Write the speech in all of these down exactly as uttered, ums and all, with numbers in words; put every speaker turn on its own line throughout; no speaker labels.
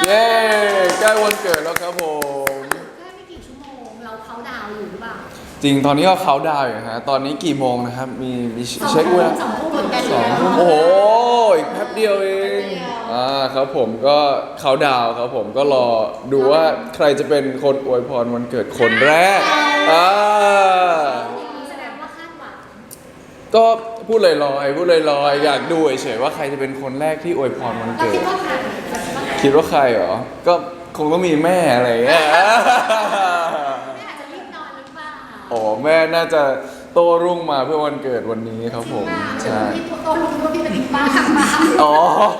เย้ใกล้วันเกิดแล้วครับผม
แค่ไม่กี่ชั่วโมงเราเขาดาวน์อยู่หรือเปล่า
จริงตอนนี้ก็เขาดาวน์อยู่ฮะตอนนี้กี่โมงนะครับมีมีเช็คเวลา
สองทุ่มเหมือนกัน
สองทุ่มโอ้โหอีกแป๊บเดียวเองอ่าครับผมก็เขาดาวน์ครับผมก็รอดูว่าใครจะเป็นคนอวยพรวันเกิดคนแรกอ่า
แสดงว่าคาดหวัง
ก็พูดลอยๆพูดลอยๆอยากดูเฉยๆว่าใครจะเป็นคนแรกที่อวยพรวันเกิด
คิดว่าใคร
คิดว่าใครเหรอก็คงต้องมีแม่อะไรอย่างเงี้ย
แม่อาจจะรีบนอนหรือเปล่า
อ๋อแม่น่าจะโตรุ่งมาเพื่อวันเกิดวันนี้ครับผมใช่
พี่โตลุงก็พี่เป็นบ้าขังมา
อ๋อ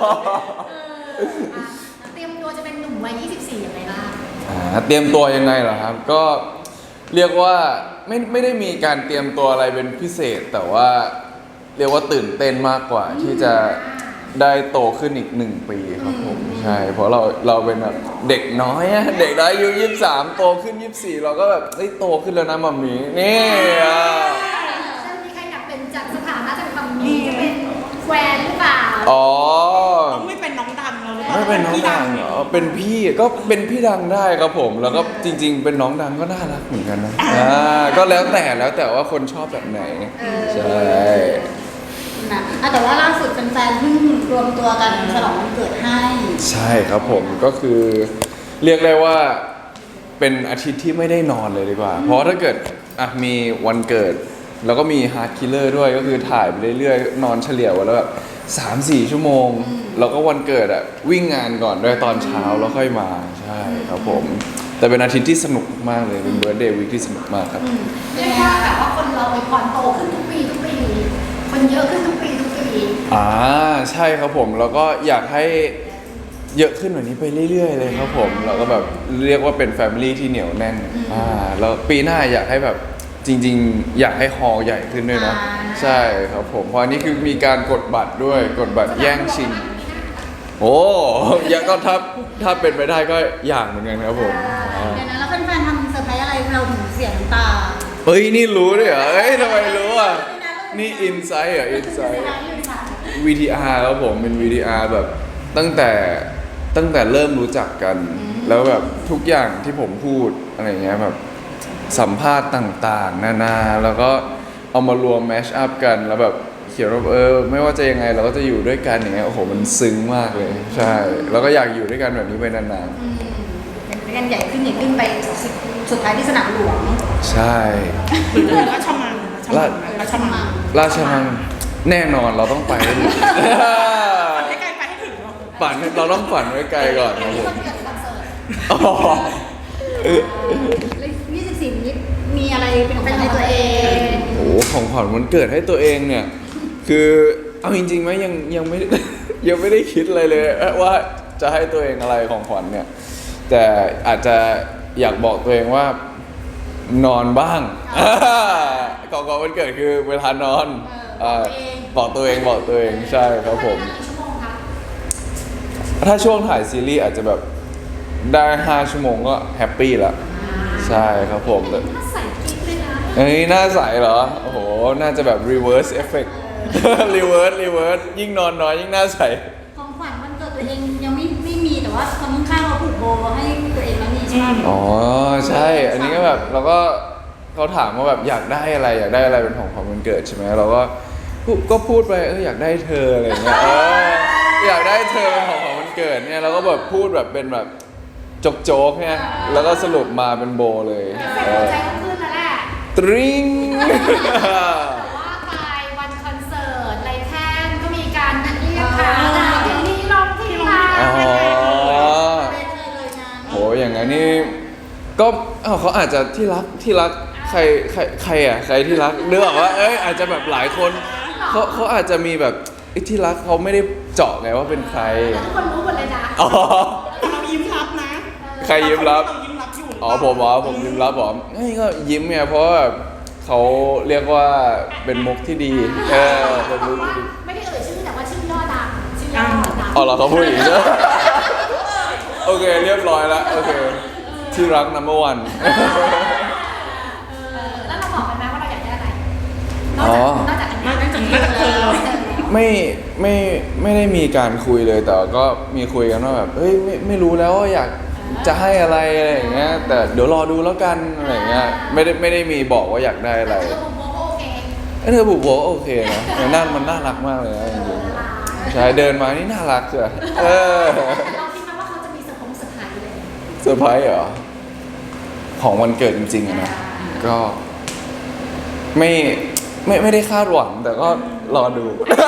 เตรียมตัวจะเป็นหนุ่มวัยยี่สิบสี่ยังไงบ้าง
อ่าเตรียมตัวยังไงเหรอครับก็เรียกว่าไม่ไม่ได้มีการเตรียมตัวอะไรเป็นพิเศษแต่ว่าเรียกว่าตื่นเต้นมากกว่าที่จะได้โตขึ้นอีกหนึ่งปีครับผมใช่เพราะเราเราเป็นแบบเด็กน้อยอะเด็กน้อยอายุยี่สิบสามโตขึ้นยี่สิบสี่เราก็แบบเฮ้ยโตขึ้นแล้วนะมัมมี่นี่อ่ะ
มีใครอยากเป็นจากสถานะจากมัมมี่จะเป็นแฟนหรือเปล่า
อ๋อ
ต้องไม่เป็นน้องดังแล้วหรือเปล่า
ไม่เป็นน้องดังเหรอเป็นพี่ก็เป็นพี่ดังได้ครับผมแล้วก็จริงๆเป็นน้องดังก็น่ารักเหมือนกันนะอ่าก็แล้วแต่แล้วแต่ว่าคนชอบแบบไหนใช่
นะแต่ว่าล่าสุดแฟนๆเพิ่งรวมตัวกันฉลองวันเกิดให้
ใช่ครับผมก็คือเรียกได้ว่าเป็นอาทิตย์ที่ไม่ได้นอนเลยดีกว่าเพราะถ้าเกิดอ่ะมีวันเกิดแล้วก็มีฮาร์ดคิลเลอร์ด้วยก็คือถ่ายไปเรื่อยๆนอนเฉลี่ยวันละแบบสามสี่ชั่วโมงแล้วก็วันเกิดอ่ะวิ่งงานก่อนด้วยตอนเช้าแล้วค่อยมาใช่ครับผมแต่เป็นอาทิตย์ที่สนุกมากเลยเป็นเบิร์ธเดย์วีคที่สนุกมากครับ
เรียกว่าแบบว่าคนเราไปพรโตขึ้นทุกปีทุกปีคนเยอะขึ้นทุกปีทุกปี
อ่าใช่ครับผมแล้วก็อยากให้เยอะขึ้นกว่านี้ไปเรื่อยๆเลยครับผมเราก็แบบเรียกว่าเป็นแฟมิลี่ที่เหนียวแน่นอ่าแล้วปีหน้าอยากให้แบบจริงๆอยากให้ฮอลล์ใหญ่ขึ้นด้วยนะใช่ครับผมเพราะอันนี้คือมีการกดบัตรด้วยกดบัตรแย่งชิงโอ้อยากก็ถ้าถ้าเป็นไปได้ก็อยากเหมือนกันครับผม
เดี๋ยวนะแล้วแฟนๆทำเซอร์ไพรส์อะไรเราถึงเสียน้ำตา
เฮ้ยนี่รู้ด้วยเหรอเฮ้ยทำไมรู้อ่ะนี่อินไซต์เหรออินไซต์ วี ที อาร์ ครับผมเป็น วี ที อาร์ แบบตั้งแต่ตั้งแต่เริ่มรู้จักกันแล้วแบบทุกอย่างที่ผมพูดอะไรเงี้ยแบบสัมภาษณ์ต่างๆนานาแล้วก็เอามารวมแมชอัพกันแล้วแบบเขียนว่าเออไม่ว่าจะยังไงเราก็จะอยู่ด้วยกันอย่างเงี้ยโอ้โหมันซึ้งมากเลยใช่แล้วก็อยากอยู่ด้วยกันแบบนี้ไปนาน
ๆเป็นกันใหญ่ขึ้นใหญ่ขึ้นไปสุดท้ายที่สนามหลวง
ใช่
หรือจะราชมังราชมัง
ราชมังแน่นอนเราต้องไปให้ถึง
ฝันให้ไกลไปให้ถึง
ฝันเราต้องฝันไว้ไกลก่อนครับผม
ยี่สิบสี่นี้มีอะไรเป็นของขวัญให้ตัวเอง
โอ้ของขวัญวันเกิดให้ตัวเองเนี่ยคือเอาจริงๆไหมยังยังไม่ยังไม่ได้คิดอะไรเลยว่าจะให้ตัวเองอะไรของขวัญเนี่ยแต่อาจจะอยากบอกตัวเองว่านอนบ้างก่อนก่อนวันเกิดคือเวลานอนบอกตัวเองบอกตัวเองใช่ครับผมถ้าช่วงถ่ายซีรีส์อาจจะแบบได้ห้าชั่วโมงก็แฮปปี้ละใช่ครับผมแต่เอ้ยหน้าใสเหรอโอ้โหน่าจะแบบ reverse effect reverse reverse ยิ่งนอนน้อยยิ่งหน้าใส
ของขวัญวันเกิดตัวเองยังไม่ไม่มีแต่ว่าคนข้างๆเราผูกโบให้ตัวเองแล้วมีใช่ไหม
อ๋อใช่อันนี้ก็แบบเราก็เขาถามว่าแบบอยากได้อะไรอยากได้อะไรเป็นของขวัญวันเกิดใช่ไหมเราก็ก็พูดไปเอออยากได้เธออะไรเงี้ยเอออยากได้เธอเป็นของขวัญวันเกิดเนี่ยเราก็แบบพูดแบบเป็นแบบโจ๊กๆเนี่ยแล้วก็สรุปมาเป็นโบเลย
ใจก็ขึ้นแล้วแหละ
ตริง
ว่าไปวันคอนเสิร์ตไรแท่นก็มีการเรียกค่ะเพลงนี้ร้องที่ร้าน
อ๋อโหอย่างนั้นนี่ก็เขาอาจจะที่รักที่รักใครใครใครอ่ะใครที่รักเนื้อว่าเอ้ยอาจจะแบบหลายคนเขาเขาอาจจะมีแบบที่รักเขาไม่ได้เจาะไงว่าเป็นใคร
ทุกคนรู้หมดเลยนะ
อ๋อ
เรายิ้มรับนะ
ใครยิ้มรับอ๋อผมอ๋อผมยิ้มรับผมนี่ก็ยิ้มไงเพราะว่าเขาเรียกว่าเป็นมุกที่ดีเออเป็นมุกที่ดี
ไม่ได้เอ่ยชื่อแต่ว่าชื่อย่อดังชื่อย่อดัง
อ๋อเหรอเขาพูดอย่างนี้โอเคเรียบร้อยแล้วโอเคที่รัก number one
แล้วเราบอกไปไหมว่าเราอยากได้อะไรนอกจากนอกจากอันนี้นอกจากเธอ
ไม่ไม่ไม่ได้มีการคุยเลยแต่ก็มีคุยกันว่าแบบเฮ้ยไม่ไม่รู้แล้วว่าอยากจะให้อะไรอะไรอย่างเงี้ยแต่เดี๋ยวรอดูแล้วกันอะไรอย่างเงี้ยไม่ได้ไม่ได้มีบอกว่าอยากได้อะไร
แต่ผมบอกว่าโอเค
เอ้ยเธอบุกโบโอเคนะมันน่ามันน่ารักมากเลยนะจริงๆใช่เดินมานี่น่ารักจ้ะเออ
แต่เราคิดไหมว่าเขาจะมีเซอร์พงเซอร์ไพรส์เลย
เซอร์ไพรส์เหรอของวันเกิดจริงๆอะนะก็ไม่ไม่ไม่ได้คาดหวังแต่ก็รอดู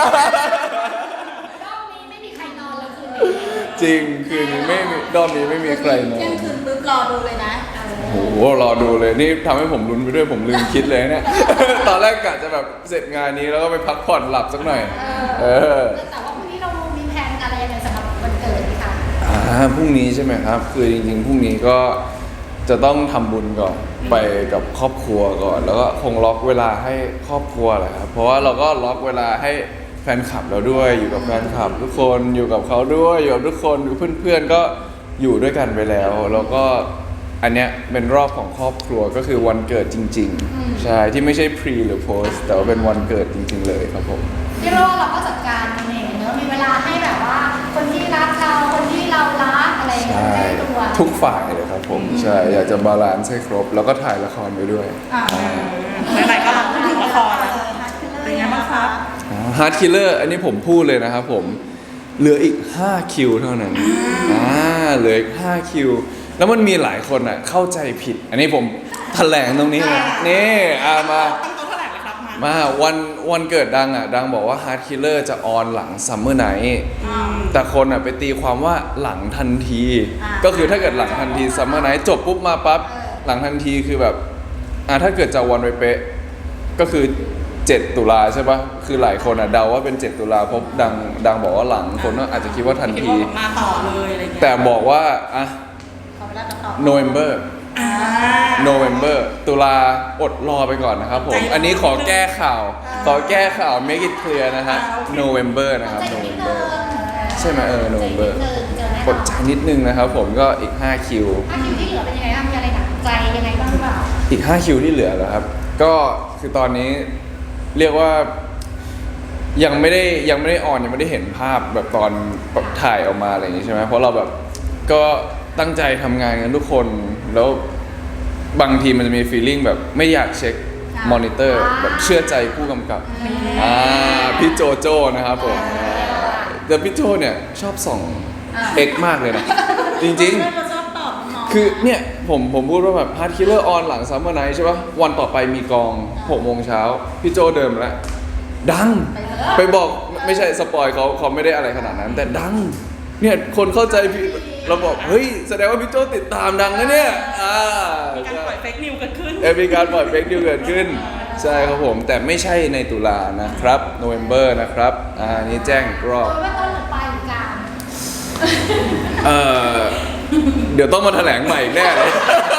รอบนี้ไม่มีใครนอนแล้วคืนนี้
จริงคืนนี้ไม่มีรอบนี้ไม่มีใครนอ
เที่ยง
น
คืนปุ๊บรอดูเลยนะ
โอ้โหรอดูเลยนี่ทำให้ผมลุ้นไปด้วยผมลืมคิดเลยเนี่ย ตอนแรกกะจะแบบเสร็จงานนี้แล้วก็ไปพักผ่อนหลับสักหน่อย เออ
แต่ว่าพรุ่งนี้เรามีแผนอะไรยังไงสำหรับวันเกิดไหมคะ
อ่าพรุ่งนี้ใช่ไหมครับ คือจริงๆพรุ่งนี้ก็จะต้องทำบุญก่อนไปกับครอบครัวก่อน แล้วก็คงล็อกเวลาให้ครอบครัวแหละครับเพราะว่าเราก็ล็อกเวลาให้แฟนคลับเราด้วย อยู่กับแฟนคลับทุกคนอยู่กับเขาด้วยอยู่กับทุกคนอยู่เพื่อนๆก็อยู่ด้วยกันไปแล้ว แล้วก็อันเนี้ยเป็นรอบของครอบครัวก็คือวันเกิดจริงๆใช่ที่ไม่ใช่ pre หรือ post แต่ว่าเป็นวันเกิดจริง ๆ เลยครับผม
พี่โรเราก็จัดการเองเนอะมีเวลาให้แบบว่า คนที่รักเราคนที่เรารักอะไรอย่างเงี้ย
ใช่
ให้ตัว
ทุกฝ่ายเลยครับผมใช่อยากจะบาลานซ์ให้ครบ แล้วก็ถ่ายละครไปด้วย
อ่า
ไหนๆก็พูดถึงละครแล้วเป็นไงบ้างครับ
ฮาร์ดคิลเลอร์อันนี้ผมพูดเลยนะครับผมเหลืออีกห้าคิวเท่านั้นอ่าเหลืออีกห้าคิวแล้วมันมีหลายคนอ่ะเข้าใจผิด อันนี้ผมแถลงตรงนี้เลยนี่อ่ามา
ตั้งโต๊ะเท่าไหร่เลยครับมา
มาวันวันเกิดดังอ่ะดังบอกว่า Hard Killer จะออนหลัง Summer Night แต่คนอ่ะไปตีความว่าหลังทันที ก็คือถ้าเกิดหลังทันที Summer Night จบปุ๊บมาปั๊บหลังทันทีคือแบบอ่ะถ้าเกิดจะวันไปเป๊ะก็คือเจ็ดตุลาใช่ปะคือหลายคนอ่ะเดาว่าเป็นเจ็ดตุลาเพราะดังดังบอกว่าหลังคนก็อาจจะคิดว่าทัน
คิด
ที
ว่ามาต่อเลยอะไรเงี้ย
แต่บอกว่าอ่ะ
ขอเวลาตัดต่อ
November
อ่า
November ตุลาอดรอไปก่อนนะครับผม
ใจร้อน
อันนี้ขอแก้ข่าว ขอแก้ข่าว make it clear นะฮะ November นะครับ
ใจนิดนึ
November
ง
ใช่ไหมเออ November
ใจนิดนึงเจอแน่น
ก
อน
ดใจนิดนึงนะครับผมก็อีกห้าคิว
ถ้าคิวที่เหลือเป็นยังไงบ้างมีอะไรหนักใจยังไงบ้างหรือเปล่า
อีกห้าคิวที่เหลือแล้วครับ ก็คือตอนนี้เรียกว่ายังไม่ได้ยังไม่ได้ออนยังไม่ได้เห็นภาพแบบตอนแบบถ่ายออกมาอะไรอย่างนี้ใช่ไหมเพราะเราแบบก็ตั้งใจทำงานกันทุกคนแล้วบางทีมันจะมีฟีลลิ่งแบบไม่อยากเช็คมอนิเตอร์แบบเชื่อใจผู้กำกับอ่าพี่โจโจ้นะครับผมแต่พี่โจเนี่ยชอบส่องเอ็กมากเลยนะ จริงๆ
เราชอบตอบน้องๆ
คือเนี่ยผมผมพูดว่าแบบฮาร์ดคิลเลอร์ออนหลังซัมเมอร์ไนท์ใช่ปะวันต่อไปมีกองหกโมงเช้าพี่โจเดิมแล้ว ดัง ไปบอกไม่ใช่สปอยเขาเขาไม่ได้อะไรขนาดนั้น แต่ดัง เนี่ยคนเข้าใจพี่เราบอก เฮ้ย แสดงว่าพี่โจติดตามดังนะเนี่ยอ่า
มีการปล่อยเฟกนิวเกิดขึ้น
เออมีการปล่อยเฟกนิวเกิดขึ้น ใช่ครับผม แต่ไม่ใช่ในตุลานะครับโนเวมเบอร์นะครับอ่านี่แจ้งอีกรอบ
โดยว่าต้นหรือปลายหรือกลาง
เออเดี๋ยวต้องมาแถลงใหม่แน่เลย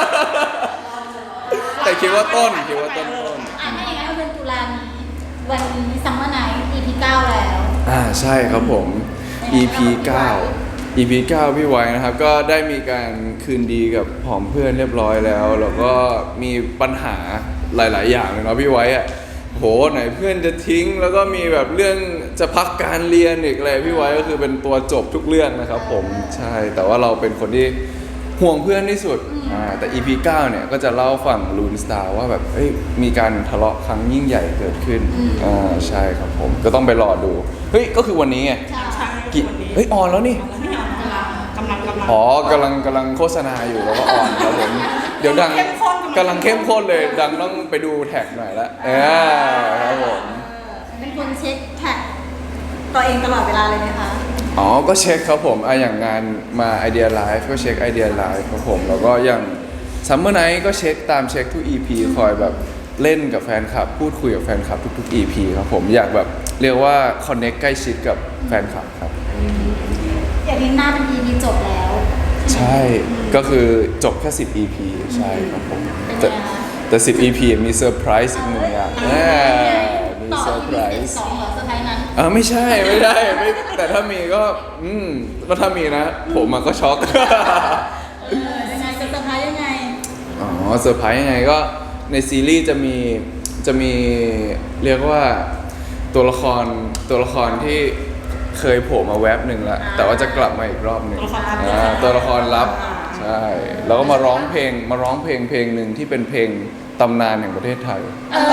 แต่คิดว่าต้นคิดว่าต้นต้น
อ่ะถ้าอย่างนั้นเราเป็นตุลานี้วันนี้ซัมเมอร์ไนท์ อี พี เก้าแล้ว
อ่าใช่ครับผม อี พี เก้า อี พี เก้าพี่ไว้นะครับ ก็ได้มีการคืนดีกับผอมเพื่อนเรียบร้อยแล้ว แล้วก็มีปัญหาหลาย ๆ อย่างเลยเนาะพี่ไว้อะโหไหนเพื่อนจะทิ้ง แล้วก็มีแบบเรื่องจะพักการเรียนอีกอะไรพี่ไว้ก็คือเป็นตัวจบทุกเรื่องนะครับผมใช่แต่ว่าเราเป็นคนที่ห่วงเพื่อนที่สุดอ่าแต่ อี พี เก้าเนี่ยก็จะเล่าฝั่งลูนสตาร์ว่าแบบเอ้ยมีการทะเลาะครั้งยิ่งใหญ่เกิดขึ้นอ่าใช่ครับผมก็ต้องไปรอดูเฮ้ยก็คือวันนี้ไง
ใช่
กี่
วันนี้
เฮ้ยออนแล้วนี่
ไม่เอากำลังกำลังกำลัง
อ๋อกำลังกำลังโฆษณาอยู่แล้วก็ออนครับผมเดี๋ยวดัง
เข้มข้น
กำลังเข้มข้นเลยดังต้องไปดูแท็กหน่อยละเออครับผม
เป็นคนเช็คแท็กตัวเองตลอดเวลาเลยไหมคะ
อ๋อก็เช็คครับผมอ่ะอย่างงานมาไอเดียไลฟ์ก็เช็คไอเดียไลฟ์ครับผมแล้วก็อย่างซัมเมอร์ไนท์ก็เช็คตามเช็คทุก อี พี คอยแบบเล่นกับแฟนคลับ พูดคุยกับแฟนคลับทุกๆ อี พี ครับผมอยากแบบเรียกว่าคอนเน็กใกล้ชิดกับแฟนคลับครับ
อย่างนี้หน้าเป็น อี พี จบแล้ว
ใช่ก็คือจบแค่สิบ อี พี ใช่ครับผม
เป็น
แต่
ไงคะ
แต่สิบ อี พี มีเซอร์ไพรส์อีกหนึ่งอย่างแน่มี
ต่อ
เซอร์
อี
ไพร
พี
ส์
สองเหรอเซอร์ไพรส์นั้น
อ่าไม่ใช่ไม่ได้ไม่แต่ถ้ามีก็ อืมก็ถ้ามีนะ ผมมันก็ช็อก
เออยังไงจะเซอร์ไพรส์ยังไง
อ๋อเซอร์ไพรส์ยังไงก็ในซีรีส์จะมีจะมีเรียกว่าตัวละครตัวละครที่เคยโผล่มาแวบหนึ่งแล้วแต่ว่าจะกลับมาอีกรอบหนึ่ง
ตัวละครลับ
อ่าตัวละครลับใช่แล้วก็มาร้องเพลงมาร้องเพลงเพลงหนึ่งที่เป็นเพลงตำนานแห่งประเทศไทย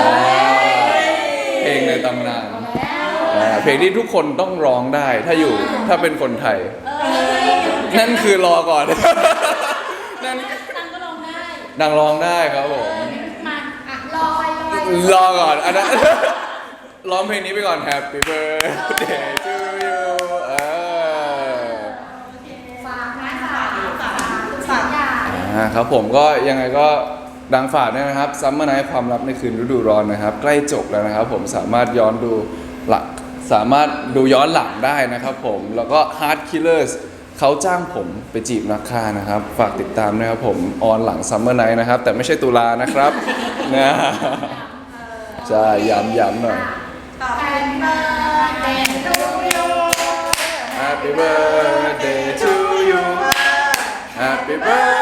เพลงในตำนานอ่าเพลงที่ทุกคนต้องร้องได้ถ้าอยู่ถ้าเป็นคนไทย นั่นคือรอก่อน นั่น
ตังก็ลองได้
นางร้องได้ครับผม
มาอ่ะลอยลอย
รอก่อนอันนั้น ร้องเพลงนี้ไปก่อน Happy Birthday to you เออ
ฝากนะฝากฝากฝากอย่าง
อ่าครับผมก็ยังไงก็ดังฝากด้วยนะครับซัมเมอร์ไนท์ความลับในคืนฤดูร้อนนะครับ ใกล้จบแล้วนะครับผมสามารถย้อนดูหลักสามารถดูย้อนหลังได้นะครับผมแล้วก็ Heart Killers เขาจ้างผมไปจีบนักฆ่านะครับ ฝากติดตามนะครับผมออนหลังซัมเมอร์ไนท์นะครับ แต่ไม่ใช่ตุลานะครับ นะใช่ย้ำย้ำหน่อย
Happy birthday to you
Happy birthday to you Happy birthday